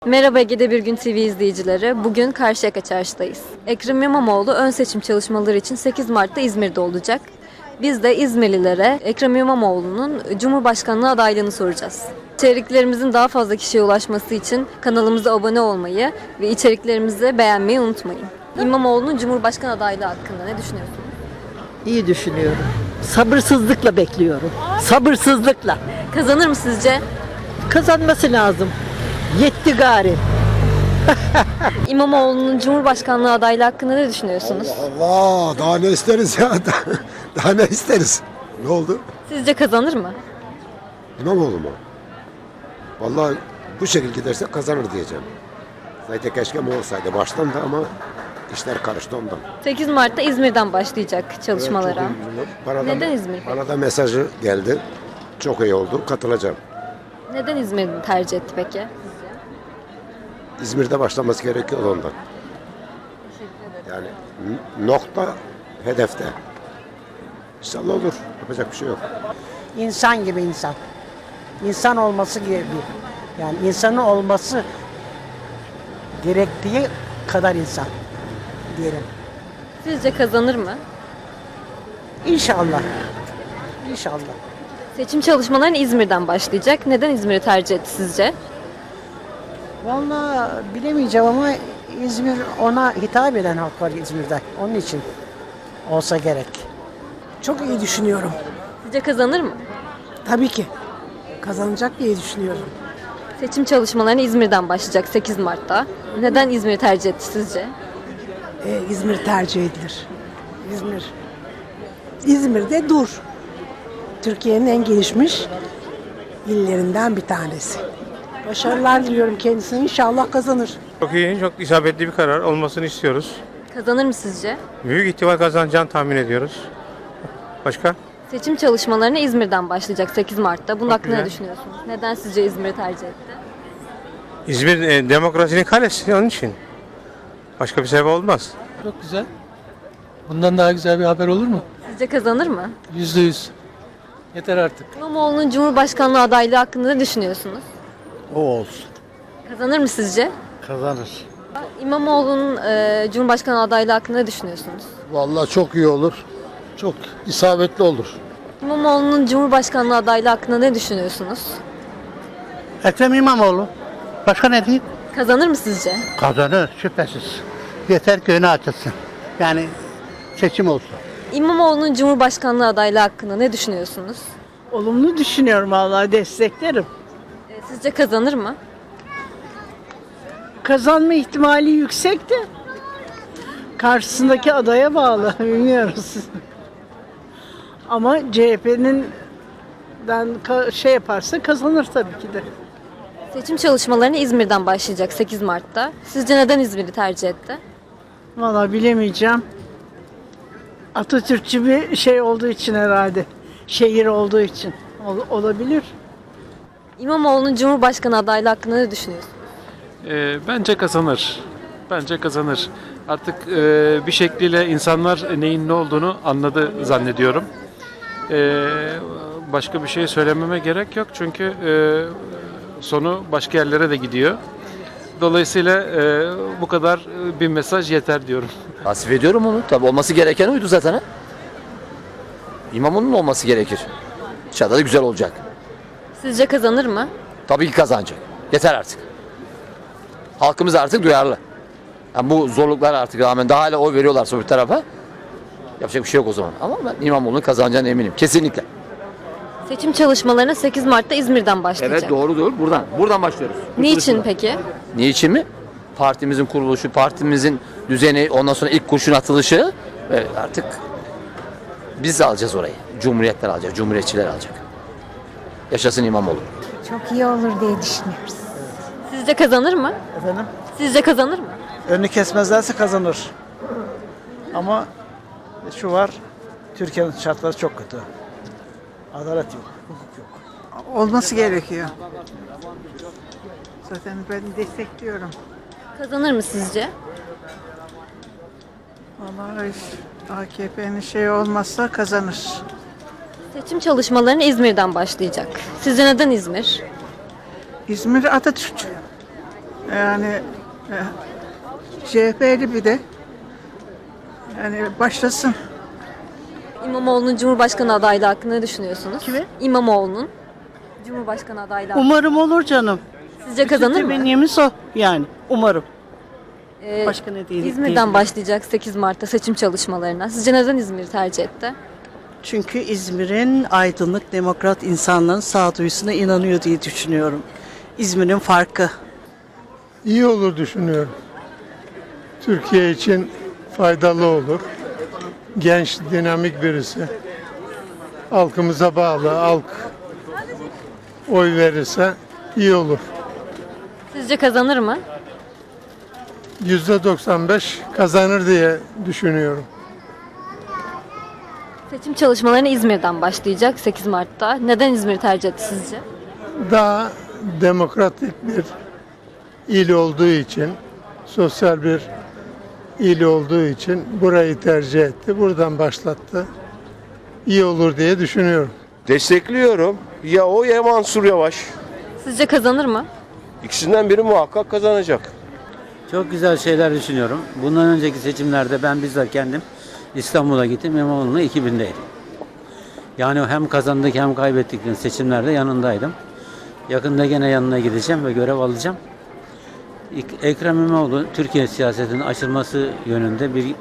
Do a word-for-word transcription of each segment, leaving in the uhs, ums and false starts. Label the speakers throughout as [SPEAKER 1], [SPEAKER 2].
[SPEAKER 1] Merhaba Ege'de Bir Gün T V izleyicileri. Bugün Karşıyaka Çarşı'dayız. Ekrem İmamoğlu ön seçim çalışmaları için sekiz Mart'ta İzmir'de olacak. Biz de İzmirlilere Ekrem İmamoğlu'nun Cumhurbaşkanlığı adaylığını soracağız. İçeriklerimizin daha fazla kişiye ulaşması için kanalımıza abone olmayı ve içeriklerimizi beğenmeyi unutmayın. İmamoğlu'nun Cumhurbaşkanı adaylığı hakkında ne düşünüyorsunuz?
[SPEAKER 2] İyi düşünüyorum. Sabırsızlıkla bekliyorum. Sabırsızlıkla.
[SPEAKER 1] Kazanır mı sizce?
[SPEAKER 2] Kazanması lazım. Yetti gari.
[SPEAKER 1] İmamoğlu'nun Cumhurbaşkanlığı adaylığı hakkında ne düşünüyorsunuz?
[SPEAKER 3] Allah daha ne isteriz ya daha, daha ne isteriz? Ne oldu?
[SPEAKER 1] Sizce kazanır mı?
[SPEAKER 3] İmamoğlu mu? Vallahi bu şekilde giderse kazanır diyeceğim. Zaten keşke mi olsaydı baştan da ama işler karıştı ondan.
[SPEAKER 1] sekiz Mart'ta İzmir'den başlayacak çalışmalara.
[SPEAKER 3] Evet, çok iyi. Bana da-
[SPEAKER 1] Neden İzmir peki?
[SPEAKER 3] Bana da mesajı geldi. Çok iyi oldu. Katılacağım.
[SPEAKER 1] Neden İzmir'i tercih etti peki?
[SPEAKER 3] İzmir'de başlaması gerekiyor ondan. Yani n- nokta hedefte. İnşallah olur. Yapacak bir şey yok.
[SPEAKER 4] İnsan gibi insan. İnsan olması gibi. Yani insanın olması gerektiği kadar insan diyelim.
[SPEAKER 1] Sizce kazanır mı?
[SPEAKER 4] İnşallah. İnşallah.
[SPEAKER 1] Seçim çalışmalarına İzmir'den başlayacak. Neden İzmir'i tercih etti sizce?
[SPEAKER 4] Vallahi bilemeyeceğim ama İzmir ona hitap eden halk var İzmir'de. Onun için olsa gerek.
[SPEAKER 5] Çok iyi düşünüyorum.
[SPEAKER 1] Sizce kazanır mı?
[SPEAKER 5] Tabii ki. Kazanacak diye düşünüyorum.
[SPEAKER 1] Seçim çalışmalarına İzmir'den başlayacak sekiz Mart'ta. Neden İzmir'i tercih etti sizce?
[SPEAKER 5] Ee, İzmir tercih edilir. İzmir. İzmir'de dur. Türkiye'nin en gelişmiş illerinden bir tanesi. Başarılar diliyorum kendisine. İnşallah kazanır.
[SPEAKER 6] Çok iyi, çok isabetli bir karar olmasını istiyoruz.
[SPEAKER 1] Kazanır mı sizce?
[SPEAKER 6] Büyük ihtimal kazanacağını tahmin ediyoruz. Başka?
[SPEAKER 1] Seçim çalışmalarına İzmir'den başlayacak sekiz Mart'ta. Bunun
[SPEAKER 6] Çok
[SPEAKER 1] hakkında ne
[SPEAKER 6] güzel.
[SPEAKER 1] düşünüyorsunuz? Neden sizce İzmir'i tercih etti?
[SPEAKER 6] İzmir e, demokrasinin kalesi onun için. Başka bir sebep olmaz.
[SPEAKER 7] Çok güzel. Bundan daha güzel bir haber olur mu?
[SPEAKER 1] Sizce kazanır mı?
[SPEAKER 7] Yüzde yüz. Yeter artık.
[SPEAKER 1] İmamoğlu'nun Cumhurbaşkanlığı adaylığı hakkında ne düşünüyorsunuz?
[SPEAKER 8] O olsun.
[SPEAKER 1] Kazanır mı sizce?
[SPEAKER 8] Kazanır.
[SPEAKER 1] İmamoğlu'nun e, Cumhurbaşkanı adaylığı hakkında ne düşünüyorsunuz?
[SPEAKER 8] Vallahi çok iyi olur. Çok isabetli olur.
[SPEAKER 1] İmamoğlu'nun Cumhurbaşkanlığı adaylığı hakkında ne düşünüyorsunuz?
[SPEAKER 9] Ekrem İmamoğlu. Başka ne diyeyim?
[SPEAKER 1] Kazanır mı sizce?
[SPEAKER 9] Kazanır şüphesiz. Yeter ki önü açılsın. Yani seçim olsun.
[SPEAKER 1] İmamoğlu'nun Cumhurbaşkanlığı adaylığı hakkında ne düşünüyorsunuz?
[SPEAKER 2] Olumlu düşünüyorum vallahi desteklerim.
[SPEAKER 1] E, sizce kazanır mı?
[SPEAKER 2] Kazanma ihtimali yüksek de karşısındaki adaya bağlı. Bilmiyoruz. Ama C H P'nin den ka- şey yaparsa kazanır tabii ki de.
[SPEAKER 1] Seçim çalışmalarına İzmir'den başlayacak sekiz Mart'ta. Sizce neden İzmir'i tercih etti?
[SPEAKER 2] Vallahi bilemeyeceğim. Atatürkçü bir şey olduğu için herhalde. Şehir olduğu için. Ol- olabilir.
[SPEAKER 1] İmamoğlu'nun Cumhurbaşkanı adaylığı hakkında ne düşünüyorsunuz?
[SPEAKER 10] Ee, bence kazanır. Bence kazanır. Artık e, bir şekliyle insanlar neyin ne olduğunu anladı zannediyorum. Ee, başka bir şey söylememe gerek yok çünkü e, sonu başka yerlere de gidiyor. Dolayısıyla e, bu kadar e, bir mesaj yeter diyorum.
[SPEAKER 11] Tasvip ediyorum onu. Tabii olması gereken oydu zaten. Ha? İmamoğlu'nun olması gerekir. İnşallah da güzel olacak.
[SPEAKER 1] Sizce kazanır mı?
[SPEAKER 11] Tabii ki kazanacak. Yeter artık. Halkımız artık duyarlı. Yani bu zorluklar artık rağmen daha hala oy veriyorlarsa bir tarafa yapacak bir şey yok o zaman. Ama ben İmamoğlu'nun kazanacağına eminim. Kesinlikle.
[SPEAKER 1] Seçim çalışmalarına sekiz Mart'ta İzmir'den başlayacak.
[SPEAKER 11] Evet doğru doğru. Buradan. Buradan başlıyoruz.
[SPEAKER 1] Niçin peki?
[SPEAKER 11] Niçin mi? Partimizin kuruluşu, partimizin düzeni, ondan sonra ilk kurşun atılışı ve artık biz alacağız orayı. Cumhuriyetler alacak, cumhuriyetçiler alacak. Yaşasın İmamoğlu.
[SPEAKER 5] Çok iyi olur diye düşünüyoruz.
[SPEAKER 1] Sizce kazanır mı?
[SPEAKER 4] Efendim?
[SPEAKER 1] Sizce kazanır mı?
[SPEAKER 4] Önünü kesmezlerse kazanır. Ama şu var, Türkiye'nin şartları çok kötü. Adalet yok, hukuk yok.
[SPEAKER 2] Olması gerekiyor. Zaten ben destekliyorum.
[SPEAKER 1] Kazanır mı sizce?
[SPEAKER 2] Vallahi A K P'nin şey olmazsa kazanır.
[SPEAKER 1] Seçim çalışmalarına İzmir'den başlayacak. Sizce neden İzmir?
[SPEAKER 2] İzmir Atatürkçü. Yani e, C H P'li bir de yani başlasın.
[SPEAKER 1] İmamoğlu'nun Cumhurbaşkanı adaylığı hakkında ne düşünüyorsunuz?
[SPEAKER 2] Kimi?
[SPEAKER 1] İmamoğlu'nun Cumhurbaşkanı adaylığı hakkında.
[SPEAKER 2] Umarım olur canım.
[SPEAKER 1] Sizce kazanır mı?
[SPEAKER 2] Temennimiz o yani. Umarım.
[SPEAKER 1] Ee,
[SPEAKER 2] Başka ne değil.
[SPEAKER 1] İzmir'den
[SPEAKER 2] diyebilirim.
[SPEAKER 1] başlayacak sekiz Mart'ta seçim çalışmalarına. Sizce neden İzmir'i tercih etti?
[SPEAKER 2] Çünkü İzmir'in aydınlık, demokrat insanların sağduyusuna inanıyor diye düşünüyorum. İzmir'in farkı.
[SPEAKER 8] İyi olur düşünüyorum. Türkiye için faydalı olur. Genç, dinamik birisi. Halkımıza bağlı, halk oy verirse iyi olur.
[SPEAKER 1] Sizce kazanır mı?
[SPEAKER 8] yüzde doksan beş kazanır diye düşünüyorum.
[SPEAKER 1] Seçim çalışmalarına İzmir'den başlayacak sekiz Mart'ta. Neden İzmir'i tercih etti sizce?
[SPEAKER 8] Daha demokratik bir il olduğu için, sosyal bir il olduğu için burayı tercih etti. Buradan başlattı. İyi olur diye düşünüyorum.
[SPEAKER 12] Destekliyorum. Ya o ya Mansur Yavaş.
[SPEAKER 1] Sizce kazanır mı?
[SPEAKER 12] İkisinden biri muhakkak kazanacak.
[SPEAKER 9] Çok güzel şeyler düşünüyorum. Bundan önceki seçimlerde ben bizzat kendim İstanbul'a gittim. İmamoğlu'nun iki bindeydim. Yani hem kazandık hem kaybettik seçimlerde yanındaydım. Yakında gene yanına gideceğim ve görev alacağım. Ekrem İmamoğlu Türkiye siyasetinin açılması yönünde bir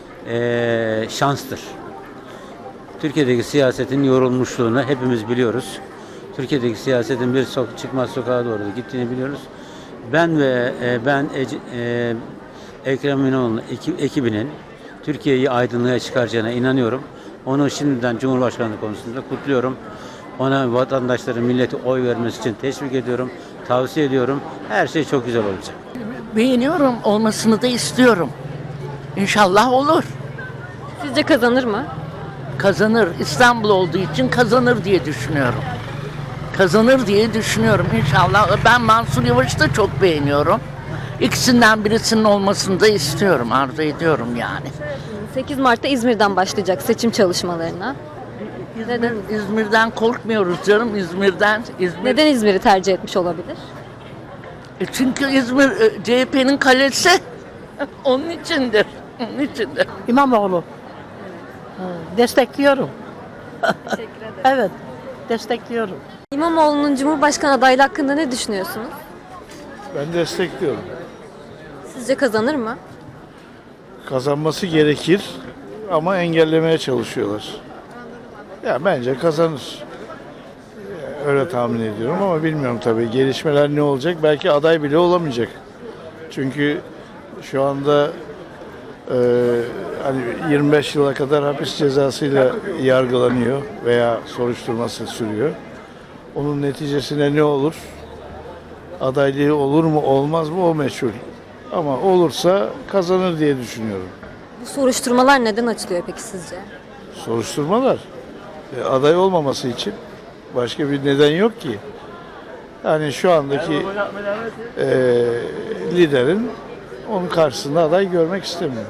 [SPEAKER 9] e, şanstır. Türkiye'deki siyasetin yorulmuşluğunu hepimiz biliyoruz. Türkiye'deki siyasetin bir sok çıkmaz sokağa doğru gittiğini biliyoruz. Ben ve e, ben e, e, Ekrem İmamoğlu'nun ekibinin Türkiye'yi aydınlığa çıkaracağına inanıyorum. Onu şimdiden Cumhurbaşkanlığı konusunda kutluyorum. Ona vatandaşların, milleti oy vermesi için teşvik ediyorum, tavsiye ediyorum. Her şey çok güzel olacak.
[SPEAKER 5] Beğeniyorum, olmasını da istiyorum. İnşallah olur.
[SPEAKER 1] Sizce kazanır mı?
[SPEAKER 5] Kazanır. İstanbul olduğu için kazanır diye düşünüyorum. Kazanır diye düşünüyorum inşallah. Ben Mansur Yavaş'ı da çok beğeniyorum. İkisinden birisinin olmasını da istiyorum, arzu ediyorum yani.
[SPEAKER 1] sekiz Mart'ta İzmir'den başlayacak seçim çalışmalarına.
[SPEAKER 5] Neden? İzmir'den korkmuyoruz canım, İzmir'den. İzmir.
[SPEAKER 1] Neden İzmir'i tercih etmiş olabilir?
[SPEAKER 5] E çünkü İzmir e, C H P'nin kalesi. Onun içindir. Onun içindir.
[SPEAKER 2] İmamoğlu. Destekliyorum.
[SPEAKER 1] Teşekkür ederim.
[SPEAKER 2] Evet. Destekliyorum.
[SPEAKER 1] İmamoğlu'nun Cumhurbaşkanı adaylığı hakkında ne düşünüyorsunuz?
[SPEAKER 8] Ben destekliyorum.
[SPEAKER 1] Sizce kazanır mı?
[SPEAKER 8] Kazanması gerekir ama engellemeye çalışıyorlar. Ya bence kazanır. Öyle tahmin ediyorum ama bilmiyorum tabii. Gelişmeler ne olacak? Belki aday bile olamayacak. Çünkü şu anda e, hani yirmi beş yıla kadar hapis cezasıyla yargılanıyor veya soruşturması sürüyor. Onun neticesinde ne olur? Adaylığı olur mu olmaz mı o meçhul. Ama olursa kazanır diye düşünüyorum.
[SPEAKER 1] Bu soruşturmalar neden açılıyor peki sizce?
[SPEAKER 8] Soruşturmalar e, aday olmaması için başka bir neden yok ki. Yani şu andaki e, liderin onun karşısında aday görmek istemiyor.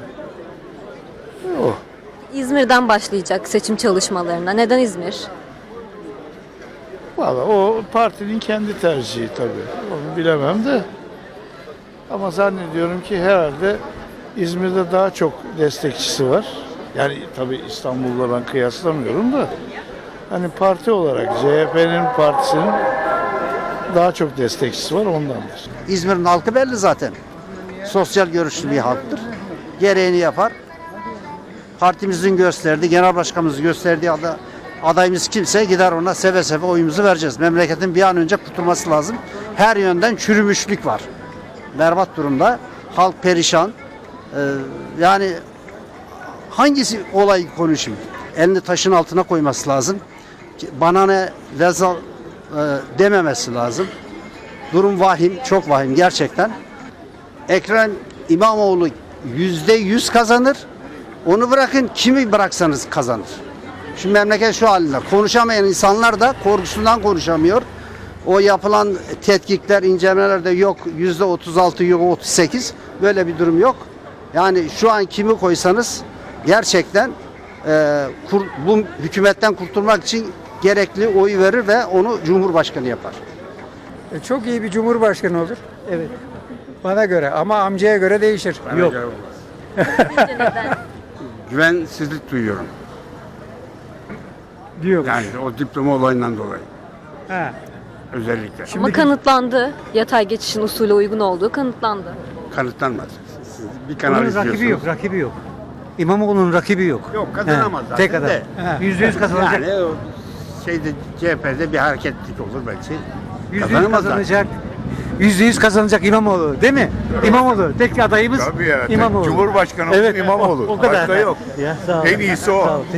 [SPEAKER 8] O.
[SPEAKER 1] İzmir'den başlayacak seçim çalışmalarına. Neden İzmir?
[SPEAKER 8] Valla o partinin kendi tercihi tabii. Onu bilemem de. Ama zannediyorum ki herhalde İzmir'de daha çok destekçisi var. Yani tabii İstanbul'la ben kıyaslamıyorum da. Hani parti olarak C H P'nin partisinin daha çok destekçisi var ondandır.
[SPEAKER 9] İzmir'in halkı belli zaten. Sosyal görüşlü bir halktır. Gereğini yapar. Partimizin gösterdiği, genel başkanımızın gösterdiği aday, adayımız kimse gider ona seve seve oyumuzu vereceğiz. Memleketin bir an önce kurtulması lazım. Her yönden çürümüşlük var. Berbat durumda. Halk perişan. Ee, yani hangisi olayı konuşayım? Elini taşın altına koyması lazım. Bana ne vezal e, dememesi lazım. Durum vahim, çok vahim gerçekten. Ekrem İmamoğlu yüzde yüz kazanır. Onu bırakın, kimi bıraksanız kazanır. Şu memleket şu halinde. Konuşamayan insanlar da korkusundan konuşamıyor. O yapılan tetkikler, incelemeler de yok yüzde otuz altı, yok otuz sekiz. Böyle bir durum yok. Yani şu an kimi koysanız gerçekten e, kur, bu hükümetten kurtulmak için gerekli oyu verir ve onu Cumhurbaşkanı yapar.
[SPEAKER 2] Çok iyi bir cumhurbaşkanı olur. Evet.
[SPEAKER 7] Bana göre ama amcaya göre değişir. Yok.
[SPEAKER 1] Sizce neden?
[SPEAKER 8] Güvensizlik duyuyorum.
[SPEAKER 7] Diyor.
[SPEAKER 8] Yani o diploma olayından dolayı
[SPEAKER 7] Ha.
[SPEAKER 8] özellikle.
[SPEAKER 1] Ama kanıtlandı. Yatay geçişin usule uygun olduğu kanıtlandı.
[SPEAKER 8] Kanıtlanmaz. Siz bir kanal
[SPEAKER 7] Bunun
[SPEAKER 8] izliyorsunuz.
[SPEAKER 7] rakibi yok, rakibi yok. İmamoğlu'nun rakibi yok.
[SPEAKER 8] Yok kazanamaz
[SPEAKER 7] He,
[SPEAKER 8] zaten
[SPEAKER 7] tek adam.
[SPEAKER 8] de.
[SPEAKER 7] Yüzde yüz kazanacak.
[SPEAKER 8] Yani o şeyde C H P'de bir hareketlik olur belki.
[SPEAKER 7] Yüzde yüz
[SPEAKER 8] Kazanamaz zaten.
[SPEAKER 7] kazanacak. Yüzde yüz kazanacak İmamoğlu, değil mi? İmamoğlu. Tek adayımız
[SPEAKER 8] Tabii ya.
[SPEAKER 7] İmamoğlu.
[SPEAKER 8] Cumhurbaşkanı
[SPEAKER 7] Evet,
[SPEAKER 8] olsun İmamoğlu.
[SPEAKER 7] o- o kadar.
[SPEAKER 8] Başka yok.
[SPEAKER 7] Ya, sağ ol.
[SPEAKER 8] En iyisi o.
[SPEAKER 7] Sağ ol.